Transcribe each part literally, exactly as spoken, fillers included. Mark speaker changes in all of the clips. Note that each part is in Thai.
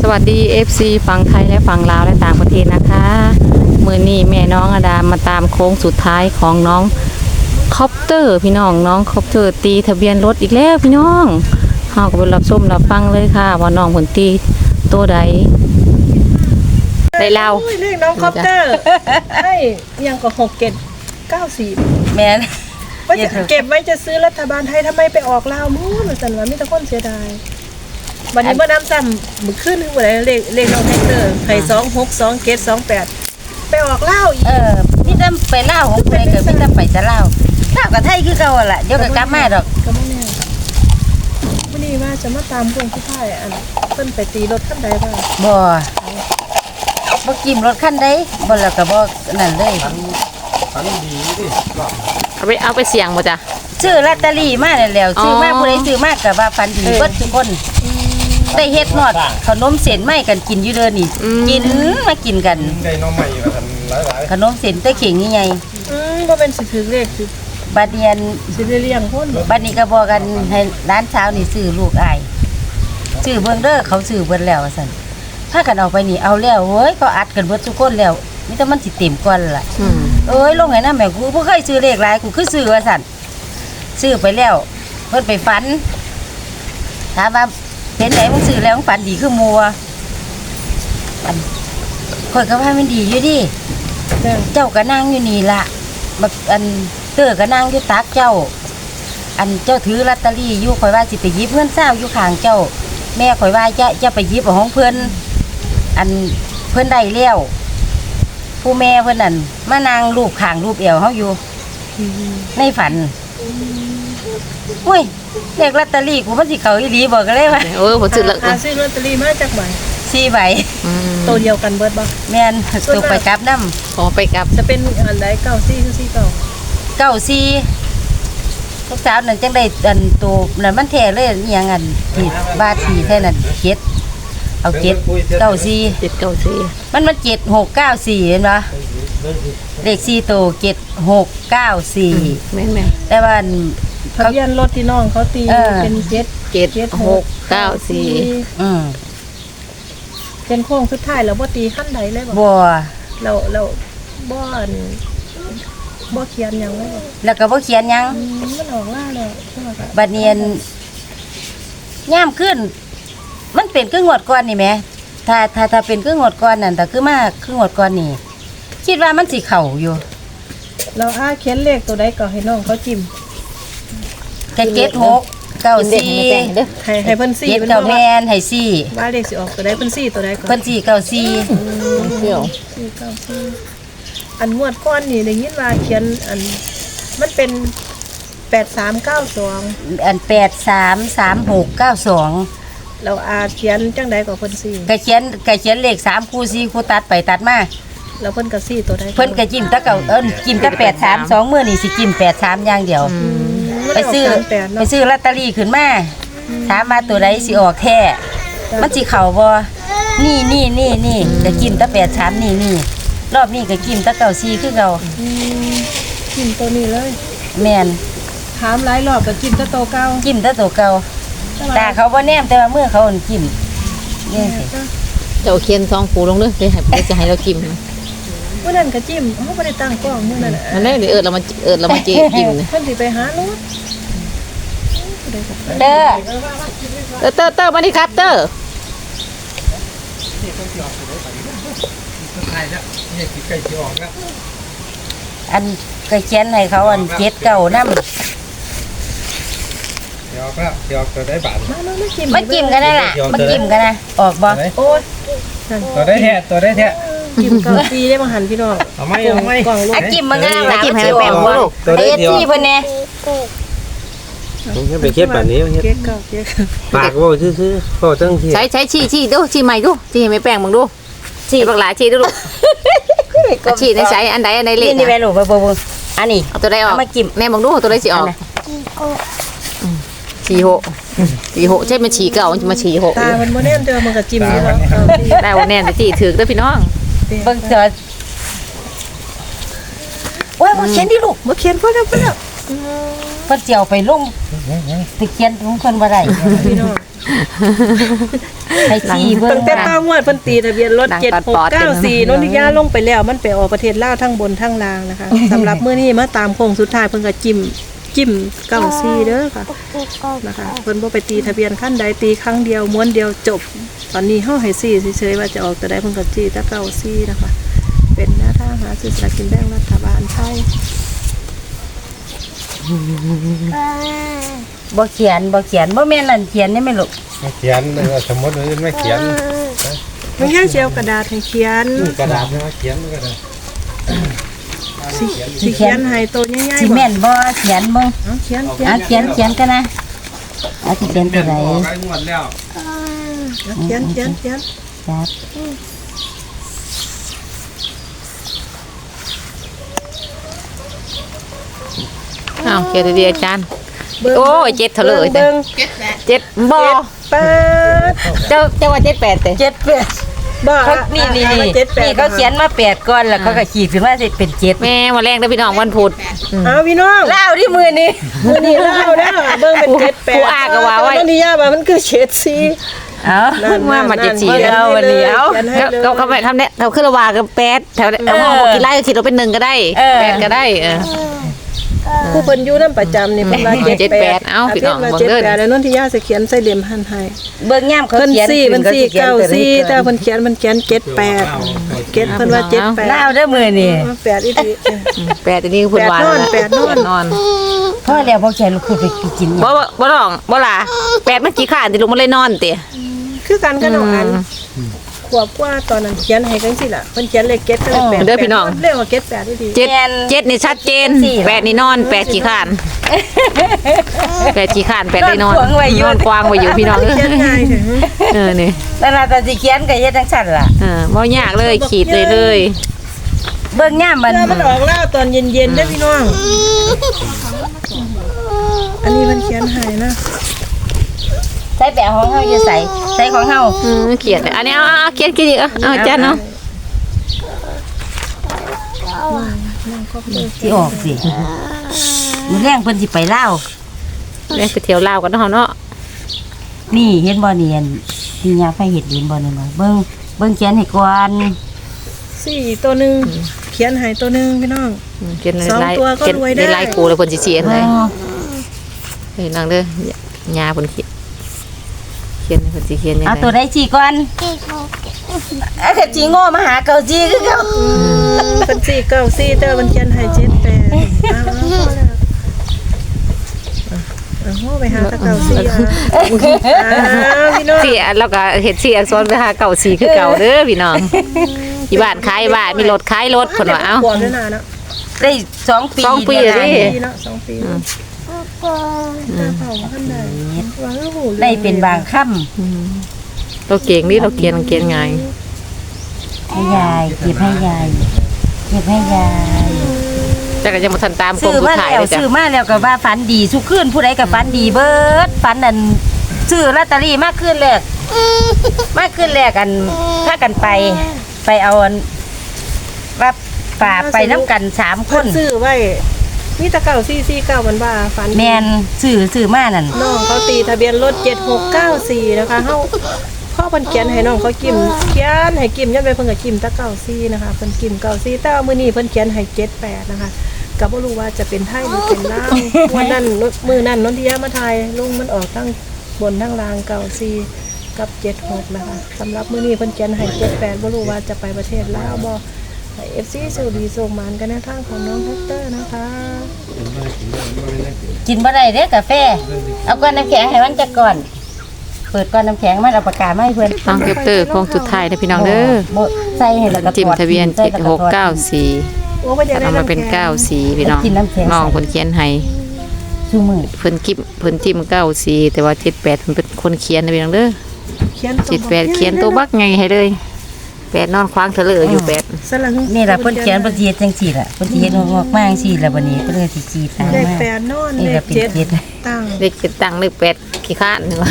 Speaker 1: วัสดี เอฟ ซี ฝั่งไทยและฝั่งลาวและต่างประเทศนะคะมือนี้แม่น้องอดามาตามโค้งสุดท้ายของน้องคอปเตอร์พี่น้องน้องคอปเตอร์ตีทะเบียนรถอีกแล้วพี่น้องเฮาก็ไปรับชมรับฟังเลยค่ะว่าน้องผลตีตัวใดได้เล่า
Speaker 2: เรียกน้องคอปเตอร์ให้ยังก็หกเก็ดเก้าสี่
Speaker 3: แม่น
Speaker 2: ว่าจะเก็บไว้จะซื้อรัฐบาลไทยทำไมไปออกลาวมู้นสันว่ามีแต่คนเสียดายวันนี้เมื่อน้ำซ้ำมือขึ้นถึงวันไหนเลขเลขน้องแท็กเตอร์ไข่สองหกสองเก็ดสองแปดไปออกลาวอีก
Speaker 3: เออมีแต่ไปเล่าวของไปก็มีแต่ไปจะเล่าวลาวกับไทยคือเก่าล่ะเดี๋ยวก็กลับมาดอก
Speaker 2: ก็ไม่แน่วันนี้ว่าจะมาตามพวงที่พ่ายอันเพิ่นไปตีรถขั้นใดบ้าง
Speaker 3: บ่บ่กิมรถคันใดบ่แล้วก็บ่นั่นเลย
Speaker 1: เอาไปเอาไปเสี่ยงบ่จ้ะ
Speaker 3: ซื้อลอตเตอรี่มาแล้วแล้วซื้อมา
Speaker 1: อ๋อ
Speaker 3: ผู้ใดซื้อมาก็ว่าฝันดีเบิดทุกคนได้เฮ็ดฮอดขนมเส้นไหมกันกินอยู่เด้อนี่กินมากินกัน
Speaker 4: ได้น้องใหม่มาทันหลาย
Speaker 3: ขนมเส้นตะเข่งใหญ่
Speaker 2: อืมว่าเป็นสิถือเลขสิ
Speaker 3: ๆบัดเนียน
Speaker 2: สิได้เลี้ยงคน
Speaker 3: บัดนี้ก็บอกกันให้ร้านเช้านี่ซื้อลูกอ้ายซื้อเบิ่งเด้อเขาซื้อเบิดแล้วว่าซั่นถ้ากันเอาไปนี่เอาแล้วเฮ้ยก็อัดกันเบิดทุกคนแล้วมีแต่มันสิเต็มก่อนล่ะ
Speaker 1: อืม
Speaker 3: เอ้ยลงให้น้าแม่กูบ่เคยซื้อเลขหลายกูคือซื้อว่าซั่นซื้อไปแล้วเพิ่นไปฝันถามว่าเห็นไหนมึงซื้อแล้วมึงฝันดีคือหมู่อะอันข่อยก็ว่ามันดีอยู่ดิ
Speaker 2: จ้ะ
Speaker 3: เจ้าก็นั่งอยู่นี่ล่ะแบบอันเตอก็นั่งอยู่ตักเจ้า อันเจ้าถือลอตเตอรี่อยู่ข่อยว่าสิไปหยิบเงินเศร้าอยู่ข้างเจ้า แม่ข่อยว่าจะจะไปหยิบเอาของเพิ่นอันเพิ่นได้แล้วผู้แม่เพิ่นนั่นมานั่งรูปข้างรูปเอวเฮาอยู่ในฝันอุ้ยเลขลอตเตอรี่กูมันสิเข้าอีหลีบ่ก็เลยว่า
Speaker 1: เออผมซื้อละ
Speaker 2: หาซื้อลอตเตอรี่มาจากไหน
Speaker 3: สี่ใบ
Speaker 1: อืม
Speaker 2: ตัวเดียวกันเบิดบ่
Speaker 3: แม่นตกไปกลับนำ
Speaker 1: ขอไปกลับ
Speaker 2: จะเป็นอันใดเก้าซี่คือซี่เก้า
Speaker 3: เก้าสี่ลูกสาวนั่นจังได้อันตัวนั่นมันแท้เลยอีหยังอันที่บาทที่แท้นั่นเจ็ดเอาเจ็ดเก้าสี่
Speaker 1: เจ็ดเก้าสี่
Speaker 3: มันมันเจ็ดหกเก้าสี่เห็นปะเลขสี่ตัวเจ็ดหกเก้าสี่
Speaker 1: แม่นแม่น
Speaker 3: แต่ว่าอัน
Speaker 2: ทะเบียนรถที่น้องเขาตี
Speaker 3: เออ
Speaker 2: เป็นเจ็ด
Speaker 1: เจ็ดหกเก้าสี่
Speaker 3: อืม
Speaker 2: เป็นโค้งสุดท้ายแล้วบ่ตีขั้นใดเลยบ่
Speaker 3: บัว
Speaker 2: เราเราบ่อันบ่เขียนหยังเลยบ่
Speaker 3: แล้วก็บ่เขียนหยัง
Speaker 2: อืมมันออกล่าแล้วใช่ไหมคะ
Speaker 3: บัดเนียนย่ามขึ้น มันเป็นครึ่งงวดก่อนนี่แหมถ้าถ้าถ้าเป็นครึ่งงวดก่อนนั่นแต่คือมาครึ่งงวดก่อนนี่ คิดว่ามันสิเข่าอยู่
Speaker 2: เราอ้าเขียนเลขตัวใดก็ให้น้องเขาจิ้ม
Speaker 3: แค่เจ็ดหกเก้า
Speaker 1: กินเด็ก
Speaker 3: สี่
Speaker 1: ไม่แป้งเด้อ
Speaker 2: ให้ให้เพิ่นซี่
Speaker 3: เจ็ด
Speaker 2: เพิ่น
Speaker 3: เก้า
Speaker 2: บอก
Speaker 3: แม
Speaker 2: ว่าน
Speaker 3: ให้สี่
Speaker 2: ว่าเลขสิออกตัวใดเพิ่นซี่ตัวใดก่อน
Speaker 3: เพิ่นสี่เก้าสี่
Speaker 1: เที่ยว
Speaker 2: ซี่เก้าซี่อันงวดก้อนนี่ได้ยินว่าเขียนอันมันเป็นแปดสามเก้าสอง
Speaker 3: อันแปดสามสามหกเก้าสอง
Speaker 2: เราอาเขียนจังใดก็เพิ่นซี่
Speaker 3: ก็เขียนก็เขียนเลขสามคู่สี่คู่ตัดไปตัดมา
Speaker 2: แล้วเพิ่นก็ซี่ตัวใด
Speaker 3: เพิ่นก็จิ้มแตะเก่าเอิ้นจิ้มแตะแปดสามสองมื้อนี่สิจิ้มแปดสามอย่างเดียว ไปซื้อ
Speaker 2: แปด
Speaker 3: ไป
Speaker 2: เนาะ
Speaker 3: ซื้อลอตเตอรี่ขึ้นมาถามมาตัวใดสิออกแท้มันสิเข้าบ่นี่นี่นี่นี่ก็จิ้มแตะแปดสามนี่นี่รอบนี้ก็จิ้มแตะเก่าสี่คือเก่า
Speaker 2: อืมจิ้มตัวนี้เลย
Speaker 3: แม่น
Speaker 2: ถามหลายรอบก็จิ้มแตะโตเก่า
Speaker 3: จิ้มแตะตัวเก่าตาเขาบ่แนมแต่ว่ามือเขาอั่นจิ้มนี่สิ
Speaker 1: เจ้าเขียนซองปูลงเด้อได้ให้ได้จะให้เรากิน
Speaker 2: มื้อนั้นก็จิ้มเฮาบ่ได้ตั้งกล้องมื้อนั้นน่ะ
Speaker 1: มันได้เดี๋ยวเอิดเรามาเอิดเรามาเจกิน
Speaker 2: เพิ่นสิไปหารถ
Speaker 3: เด้อ
Speaker 1: เตอร์เตอร์เตอร์มาดิครับเตอร์
Speaker 4: ใช่แล้วนี่คือไก่ที่ออกแล้ว
Speaker 3: อันก็เขียนให้เขาอันเจ็ดเก่านำ
Speaker 4: เดี๋ยวก็เดี๋ยวจะได้บาท
Speaker 2: มามามาจิ้ม
Speaker 3: มาจิ้มกันได้ล่ะมาจิ้มกันนะออกบ่
Speaker 2: โอ้ยนั่น
Speaker 4: ตัวได้แท้ตัวได้แท้
Speaker 2: จิ้มเกาปีได้มาหันพี่น้อง
Speaker 4: เอาไหมเอาไหม
Speaker 2: กล่องลูก
Speaker 3: อ่ะจิ้มมันก็ได้ล่ะ
Speaker 1: จิ้มให้แป้งบ่ลูก
Speaker 3: เอ็ดที่เพิ่นแน่
Speaker 4: ผมแค่ไปเก็บแบบนี้
Speaker 2: เก๊กเก่าเก๊ก
Speaker 4: ปากว่าซื่อๆก็ตั้งที่
Speaker 1: ใช้ใช้ชี้ชี้ดูชี้ใหม่ดูชี้ให้ไม่แป้งมึงดูชี้บักหลาชี้ดูลูกชี้ในใช้อันใดอันใดเล็
Speaker 3: นี่
Speaker 1: ก
Speaker 3: นี่แม่
Speaker 1: นะ
Speaker 3: ลูกไปบ่อันนี้
Speaker 1: เอาตัวใดออก
Speaker 3: เอามาจิ้ม
Speaker 1: แม่มึงดูตัวใดสิออกฉี่หกฉี่หกใช่มันฉี่เก่ามันจะมาฉี่หก
Speaker 2: ตามันโมเน่นเจอมันก็จิ้มอยู่แล้วเกาปี
Speaker 1: ได้วันแน่จะจีถือเด้อพี่น้อง
Speaker 3: เบิ่งเจอโอ้ยบ่เขียนดิลูก
Speaker 2: มาเขียนพอแล้วพอแล้ว
Speaker 3: เพิ่นสิเอาไปลงสิเขียนของเพิ่นบ่ได้
Speaker 2: พี่น้อง
Speaker 3: ไปชี้เบิ่
Speaker 2: ตั้
Speaker 3: ง
Speaker 2: งแต่ตางวดเพิ่นตีทะเบียนรถ
Speaker 1: ดัง
Speaker 2: เจ็ด
Speaker 1: ตัด
Speaker 2: หก
Speaker 1: ปอด
Speaker 2: เก้าสี่
Speaker 1: เต็ม
Speaker 2: นนทิยาลงไปแล้วมันไปออกประเทศลาวทั้งบนทั้งล่างนะคะสำหรับมื้อนี้มาตามโค้งสุดท้ายเพิ่นก็จิ้มจิ้มเก้าสี่เด้อค่ะนะคะเพิ่นบ่ไปตีทะเบียนคันใดตีครั้งเดียวม้วนเดียวจบ ตอนนี้เฮาให้สี่เฉยๆว่าจะออกแต่ใดเพิ่นก็จี้แต่เก้าสี่นะคะ เป็นแนวทางหาซื้อสลากกินแบ่งรัฐบาลไทย
Speaker 3: บ่เขียนบ่เขียนบ่แม่นนั่นเขียนนี่แม่ลูก
Speaker 4: มาเขียนเออสมมติว่าไม่เขียน
Speaker 2: มันแค่เชียวกระดาษให้เขียน
Speaker 4: นี่กระดาษนะเขียนก็ได้
Speaker 2: สิสิเขียนให้ตัวใหญ่
Speaker 3: สิ
Speaker 2: ๆบ่
Speaker 3: แม่นบ่เขียนเบิ่ง
Speaker 2: เอาเขียนเขียน
Speaker 3: อ่ะเขียนเขียนกันนะเอาสิเขียนตัวไหน
Speaker 4: บอกไอ้งวดแล้ว
Speaker 2: เขียนเขียนเขียน
Speaker 3: ครับ
Speaker 1: อ้าวเขียนดีๆอาจารย์
Speaker 2: เบิ่ง
Speaker 1: โอ้ยเจ็ดเถอะเลย
Speaker 2: เบิ่ง
Speaker 1: เจ็ดบ่
Speaker 2: เปิด
Speaker 1: เจ้าเจ้าว่าเจ็ดแปดเต้
Speaker 3: เจ็ดแปด
Speaker 2: บ่
Speaker 3: เขานี่นี่
Speaker 2: อ่ะ
Speaker 3: นี่
Speaker 2: เจ็ดแปด
Speaker 3: นี่เขาเขียนมาแปดก่อนแล้วเขาก็ขีดขึ้นมาสิเป็นเจ็ด
Speaker 1: แม่วันแรกเด้อพี่น้องวันพุธอืม
Speaker 2: เอาพี่น้อง
Speaker 3: เล่าที่มือนี่
Speaker 2: มื้อนี้เล่าเด้อเบิ่งเป็นเจ็ดแปด
Speaker 1: ผู้อ้าก็ว่าไว้
Speaker 2: ตอนนี้ย่าว่ามันคือเจ็ดสี่
Speaker 3: เอา
Speaker 2: นั่น
Speaker 1: ว่ามาเจ็ดสี่
Speaker 2: ขียน
Speaker 3: เอาวันนี้เอา
Speaker 2: ขียนให้
Speaker 1: เขา
Speaker 2: เลย
Speaker 1: เขาเขาไปทำเนี่ยเขาขึ้นระวากับแปดแถวเอาห้องบอกกี่ไร่ก็คิดว่าเป็นหนึ่งก็ได้
Speaker 3: เออ
Speaker 1: แปดก็ได้เออ
Speaker 2: ผู้เพิ่นอยู่นำประจำนี่เพิ่นว่า
Speaker 1: เจ็ดแปดเอาพี่น้อง
Speaker 2: เพิ่นว่า
Speaker 1: เบิ่
Speaker 2: เจ็
Speaker 1: ง
Speaker 2: ด
Speaker 1: เด้อ
Speaker 2: แปดแล้วนนทิยาสิเขียนใส่เหลี่ยมหันให้
Speaker 3: เบิ่งย่ามเขา
Speaker 2: เพิ่น
Speaker 3: เขียน
Speaker 2: สี่เพิ่นสี่
Speaker 3: ขีย
Speaker 2: เก้า
Speaker 3: ตัว
Speaker 2: สี่
Speaker 3: นี้
Speaker 2: แต่เพิ่นเขียนเพิ่นเขียนเจ็ดแปดเจ็ดเพิ่นว่าเจ็ดแปด
Speaker 3: เล่าเด้อมือนี่
Speaker 2: แปดอีหลี
Speaker 1: อืมแปดอันนี้คุณวาน
Speaker 2: แปดนอนแปดนอน
Speaker 1: นอน
Speaker 3: พ่อแล้วพ่อเขียนลูกคือไปกิน
Speaker 1: บ่บ่บ่ร้องบ่ล่ะแปดเมื่อกี้ข้านที่ลงมาเลยนอนเตะ
Speaker 2: คือกันกับน้องอันขวบกว่าตอนนั้นเขียนให้กันสิล่ะเพิ่นเขียนเลขเจ็ดก็เลขแปด
Speaker 1: เด้อพี่น้อง
Speaker 2: เรียกว่าเจ็ดแปดอีหลี
Speaker 1: เจ็ดเจ็ดนี่ชัดเจนแปดนี่นอนแปดขี้ข้านแปดขี้ข้านแปดได้นอนนอนกวางไว้อยู่พี่น้อง
Speaker 2: เขียนง่ายเถอะ
Speaker 1: เออนี่
Speaker 3: แล้วน่ะแต่สิเขียนก็เฮ็ดจังซั่นล่ะ
Speaker 1: เออบ่ยากเลยขีดเลยเลย
Speaker 3: เบิ่งย่ามมัน
Speaker 2: เพื่อมันออกแล้วตอนเย็นๆเด้อพี่น้อง อันนี้มันเขียนให้นะ
Speaker 3: ใส่แปะของเฮาอยู่ใส่ใส่ของเฮา
Speaker 1: อืมเขียนอันนี้เอาเอาเอาเขียนเขียนอีกเอาเอาอาจารย์เนาะ
Speaker 3: สิออกสิมื้อแรงเพิ่นสิไปลาว
Speaker 1: เรียกไปเที่ยวลาวกันเนาะเนาะ
Speaker 3: นี่เห็นบ่นี่อันที่ยาไฟเฮ็ดเห็นบ่นี่มาเบิ่งเบิ่งเขียนให้ก่อน
Speaker 2: สี่ตัวหนึงเขียนให้ตัวหนึงพี่น้อง
Speaker 1: อืมเขียน
Speaker 2: สอง
Speaker 1: ลาย
Speaker 2: ตัวก็
Speaker 1: เขียน
Speaker 2: รวยได้
Speaker 1: ได้ลายกูแล้วเพิ่นสิเขียนเลย
Speaker 3: อ๋อ
Speaker 1: เฮ้ยนางเด้อยาเพิ่นเขียนเขียนให้เพิ่นสิเขียนยัง
Speaker 3: เอา
Speaker 1: ไง
Speaker 3: ตัวใดสิก่อนเอาแต่จีโง่มาหาเกาจีคือเก่า
Speaker 2: เป็นสี่เก้าสี่แต่ว่ามันเขียนให้เจ็ดแปดอ้าวพอแล้วเอาเอาไปหาตะเก้าสี่อ่ะอ้าวพี่น้อง
Speaker 1: สี่อันแล้วก็เฮ็ดสี่อักษรไปหาเก่าสี่คือเก่าเด้อพี่น้องอยู่บ้านขายบ้านมีรถขายรถเพิ่นว่าเอ้า
Speaker 2: ขวบด้วยนะเนาะ
Speaker 3: ได้สองปี
Speaker 1: สองปี
Speaker 3: แล้ว
Speaker 1: ดิ
Speaker 3: นะ
Speaker 2: ปีเนาะสองปีเนาะหน้าเผาขั้นใดวางแล้วหู
Speaker 3: ได้เป็นบางค่ำ
Speaker 1: เราเก่งนี่เราเขียนเขียนไง
Speaker 3: ให้ยายเก็บให้ยายเก็บให้ยาย
Speaker 1: แต่ก็ยังบ่ทันตามโคง
Speaker 3: ซื้อ
Speaker 1: สุด
Speaker 3: มา
Speaker 1: ท้าย
Speaker 3: แล้ว
Speaker 1: เลยจ้ะ
Speaker 3: ซื้อมาแล้วก็ว่าฝันดีสุขึ้นผู้ใดก็ฝันดีเบิดฝันอันซื้อลอตเตอรี่มากขึ้นแรกมากขึ้นแรกอันพากันไป ไปเอาอันว่าป่าไปน้ำกันสามค
Speaker 2: เพิ่น
Speaker 3: น
Speaker 2: ซื้อไว้มีตะเก้าสี่สี่เก้ามันว่าฝัน
Speaker 3: แมนซื้อซื้อมานั่น
Speaker 2: น้องเขาตีทะเบียนรถเจ็ดหกเก้าสี่นะคะเฮาพ่อเพิ่นเขียนให้น้องเขากิมเขียนให้กิมยันไปเพิ่นก็กิมตะเก้าสี่นะคะเพิ่นกิมเก้าสี่แต่ว่ามื้อนี้เพิ่นเขียนให้เจ็ดแปดนะคะก็บ่รู้ว่าจะเป็นไทยหรือเป็นลาววันนั้นมื้อนั้นนนทิยามาทายลุงมันออกทั้งบนทั้งล่างเก้าสี่กับเจ็ดหกนะคะสำหรับมื้อนี้เพิ่นเขียนให้เจ็ดแปดบ่รู้ว่าจะไปประเทศลาวบ่ให้ เอฟ ซี สวัสดีส่งหมานกันในทางของน้องแฮกเตอร์นะคะ
Speaker 3: กินบ่ได้เด้อกาแฟ เอาก้อนน้ำแข็งให้มันจะก่อน เปิดก้อนน้ำแข็งมันเอาปากกามาให้เพื่อน
Speaker 1: น้องเก็บเตอร์โคงสุดท้ายนะพี่น้องเด้อ
Speaker 3: บ่ใส่ให้แล้วก็
Speaker 1: จิ้มทะเบียน
Speaker 3: ใส่
Speaker 1: เจ็ด
Speaker 3: แล้ว
Speaker 1: หกเก้าสี่
Speaker 2: โอ้บ่อยากได้
Speaker 1: เอามาเป็น
Speaker 2: ำแข็ง
Speaker 1: เก้าสี่พี่น้อง
Speaker 3: กินน้ำแข็ง
Speaker 1: น้องเพิ่นเขียนให้
Speaker 3: ชูมือ
Speaker 1: เพิ่นกิมเพิ่นจิ้มเก้าสี่แต่ว่าเจ็ดแปดเพิ่นเป็นคนเขียนนะพี่น้องเด้อ
Speaker 2: เขียน
Speaker 1: เจ็ดแปดเขียนตัวบักไงให้เลยแปดนอนคว้างเถลออยู่แปด
Speaker 2: สลัง
Speaker 3: นี่ล่ะเพิ่นเขียนเพิ่นสิเฮ็ดจังซี่ล่ะเพิ่นสิเฮ็ดงอกๆมาจังซี่ล่ะบัดนี้เพิ่นก็สิจีตาม
Speaker 2: เลข
Speaker 3: มา
Speaker 2: แปดนอน
Speaker 3: นี่
Speaker 2: เล
Speaker 3: ก็
Speaker 2: ข
Speaker 3: เป็น
Speaker 2: เจ็ด
Speaker 3: เจ็ด
Speaker 2: ตั้ง
Speaker 1: เลขเจ็ดตังค์เลขแปดขี้ข้านนี่ว่า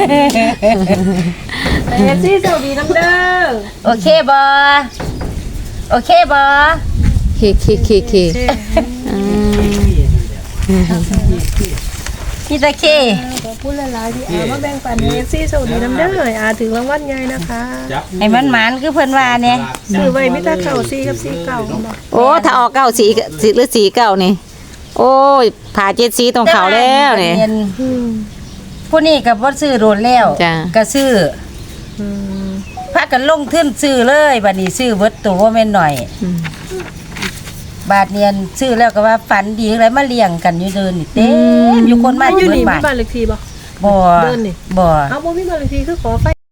Speaker 2: เอฟซีสวัสดีน้ำเด้อ
Speaker 3: โอเคบ่โอเคบ่
Speaker 1: ขี้ขี้ขี้ขี้
Speaker 2: เช่
Speaker 1: อืม
Speaker 3: พี่ตะเค
Speaker 2: ขอบคุณหลายๆที่อามาแบ่งปันให้ซี่โชคดีน้ำเด้ออาถึงรางวัลใหญ่นะคะ
Speaker 4: จับ
Speaker 3: ให้มันหมานคือเพิ่นว่าเนี่ย
Speaker 2: ซื้อไว้มิตรเก่าซี่กับซี่เก่าบ่
Speaker 1: โอ้ถ้าออกเก้าสีสีหรือสีเก้านี่ โอ้ยผ่าเจ็ดสีตรงเขาแล้วนี่
Speaker 3: เรีย
Speaker 2: อืม
Speaker 3: ผู้นี้ก็บ่ซื้อโดนแล้ว
Speaker 1: จ้ะ
Speaker 3: ก็ซื้อ
Speaker 2: อืม
Speaker 3: พากันลงทุนซื้อเลยบัดนี้ซื้อเบิดตัวบ่แม่นหน่อย
Speaker 1: อืม
Speaker 3: บาทเนียนซื้อแล้วก็ว่าฝันดีอะไรมาเลี้ยงกันอยู่เดินนี่เต็มอยู่คนมา
Speaker 2: อยู่
Speaker 3: เบิ
Speaker 2: นี่
Speaker 3: ด
Speaker 2: มี
Speaker 3: บาท
Speaker 2: บ้านเลขที่บ่
Speaker 3: บ่
Speaker 2: เดินนี่
Speaker 3: บ่
Speaker 2: เอาบ่มีบ้านเลขที่คือขอไฟ